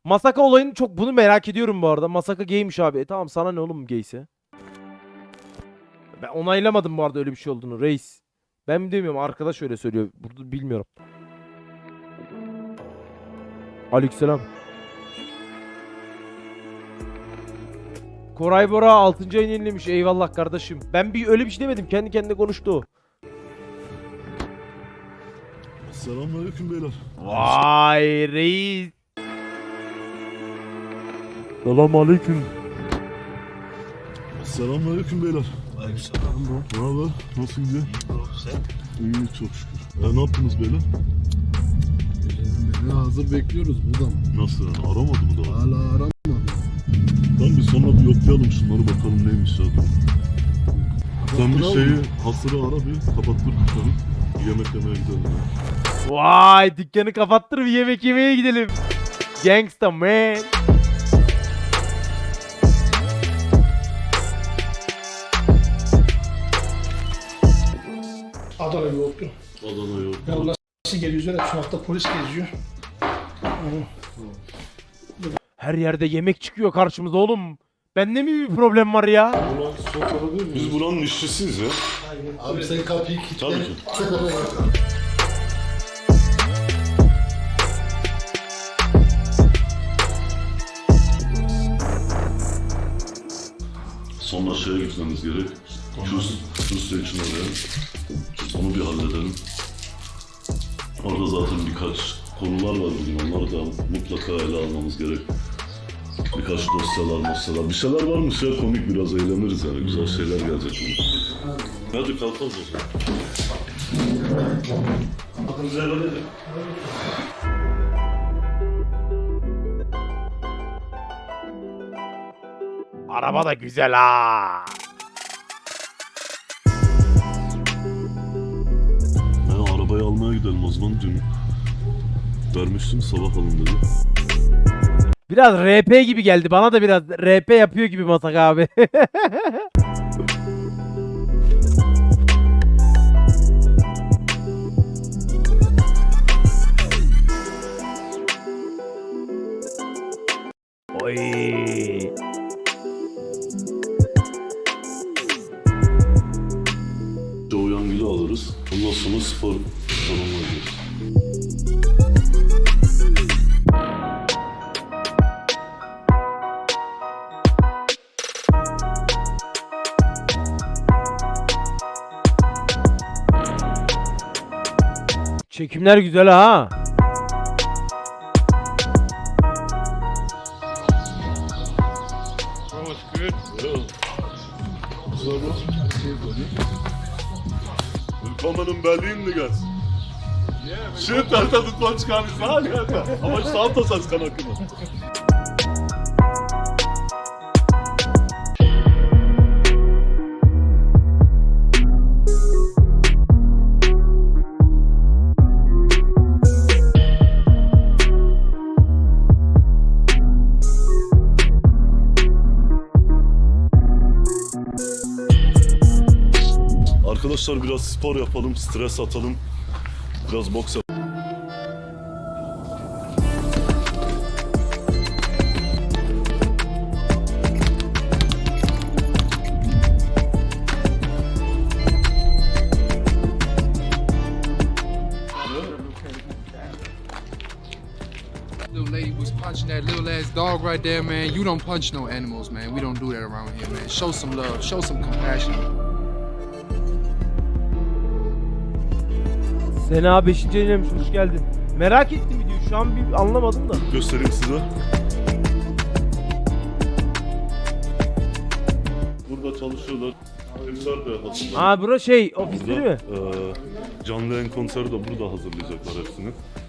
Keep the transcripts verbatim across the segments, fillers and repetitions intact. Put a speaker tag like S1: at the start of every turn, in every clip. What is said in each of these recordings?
S1: Masaka olayını çok bunu merak ediyorum bu arada. Masaka gaymiş abi. E tamam sana ne oğlum gayse. Ben onaylamadım bu arada öyle bir şey olduğunu reis. Ben mi demiyorum arkadaş öyle söylüyor. Burada bilmiyorum. Aleykümselam. Koray Bora altıncı ayını yenilemiş. Eyvallah kardeşim. Ben bir öyle bir şey demedim. Kendi kendine konuştu o.
S2: Selamünaleyküm beyler.
S1: Vay reis.
S2: Selamünaleyküm. Selamünaleyküm beyler.
S3: Aleykümselam bro.
S2: Ne haber? Nasıl gidiyor?
S3: İyi bro sen?
S2: İyi çok şükür. E ne yaptınız beyler?
S4: Beni hazır bekliyoruz burada mı?
S2: Nasıl yani? Aramadı mı daha?
S4: Hala aramadı.
S2: Tamam bir sonra bir yoklayalım şunları bakalım neymiş ya. Sen bir şeyi hasırı ara bir kapattır dükkanı. Yemek yemeye gidelim ya.
S1: Vay dükkanı kapattır bir yemek yemeye gidelim. Gangsta man.
S5: Adana yoğurtlu.
S2: Adana yok.
S5: Yolda nasıl geliyoruz öyle sokakta polis geziyor.
S1: Her yerde yemek çıkıyor karşımıza oğlum. Bende mi bir problem var ya?
S2: Biz buranın işçisiyiz ya.
S4: Abi sen kapıyı kilitle.
S2: Tabii ki. Sonra şeye gitmemiz gerek. Şu, şu seçim oraya. Onu bir halledelim. Orada zaten birkaç konular var bugün. Onları da mutlaka ele almamız gerek. Birkaç dosyalar, dosyalar. Bir şeyler varmış ya komik biraz eğleniriz yani. Güzel şeyler gelecek. Hadi kalkalım o zaman.
S3: Bakın güzel oluyor.
S1: Araba da güzel ha.
S2: Ya arabayı almaya gidelim o zaman dün. Vermiştim sabah alın dedi.
S1: Biraz R P gibi geldi. Bana da biraz R P yapıyor gibi Masaka abi. Oy.
S2: Doğuyangil'i alırız. Ondan sonra spor salonuna gideriz.
S1: Çekimler güzel ha.
S2: Willkommen in Berlin, Diggas. Shit, Alter, das wollte ich gar nicht sagen, Alter. Aber ich sag das als Kanake. Arkadaşlar biraz spor yapalım, stres atalım. Biraz boks yapalım.
S6: Little lady was punching that little ass dog right there, man. You don't punch no animals, man. We don't do that around here, man. Show some love, show some compassion.
S1: Sena beşinci yenilemiş hoş geldin. Merak ettim videoyu şu an bir anlamadım da.
S2: Göstereyim size. Burada çalışıyorlar. Kimler de hazırlanıyor.
S1: Aa bura şey ofisleri mi?
S2: Ee, canlı yayın konseri de burada hazırlayacaklar hepsini.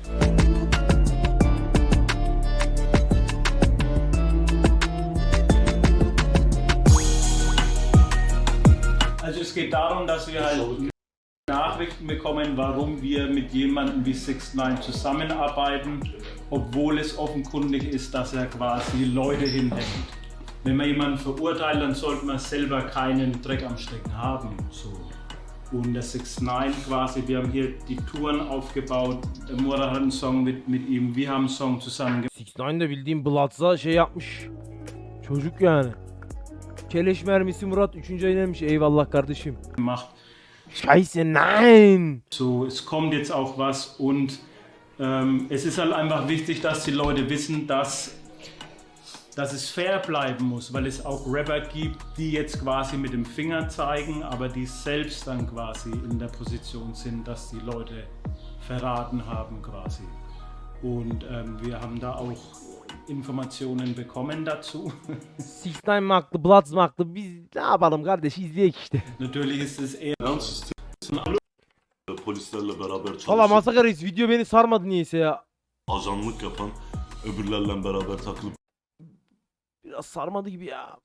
S7: Also es geht darum, dass wir halt Nachrichten bekommen, warum wir mit jemandem wie Six Nine zusammenarbeiten, obwohl es offenkundig ist, dass er quasi Leute hinhängt. Wenn man jemanden verurteilt, dann sollte man selber keinen Dreck am Stecken haben. So. und der six nine quasi. Wir haben hier die Touren aufgebaut. Der Murat hat einen Song mit, mit ihm, wir haben einen Song zusammen
S1: six nine de bildiğim Bloods'a şey yapmış. Çocuk yani. Keleş mermisi Murat üçüncü ayın demiş. Eyvallah kardeşim.
S7: gemacht.
S1: Scheiße nein.
S7: So, es kommt jetzt auch was und ähm, es ist halt einfach wichtig, dass die Leute wissen, dass, dass es fair bleiben muss, weil es auch Rapper gibt, die jetzt quasi mit dem Finger zeigen, aber die selbst dann quasi in der Position sind, dass die Leute verraten haben quasi. Und ähm, wir haben da auch Informationen bekommen dazu.
S1: six nine mi haklı, Bloods mı haklı? Biz ne yapalım kardeş, izleyek işte.
S7: Natürlich ist es eher
S2: Yani sistem polislerle beraber
S1: Valla
S2: çalışıp
S1: Masaka Reis video beni sarmadı niyeyse ya.
S2: ajanlık yapan, öbürlerle beraber takılıp
S1: Biraz sarmadı gibi ya.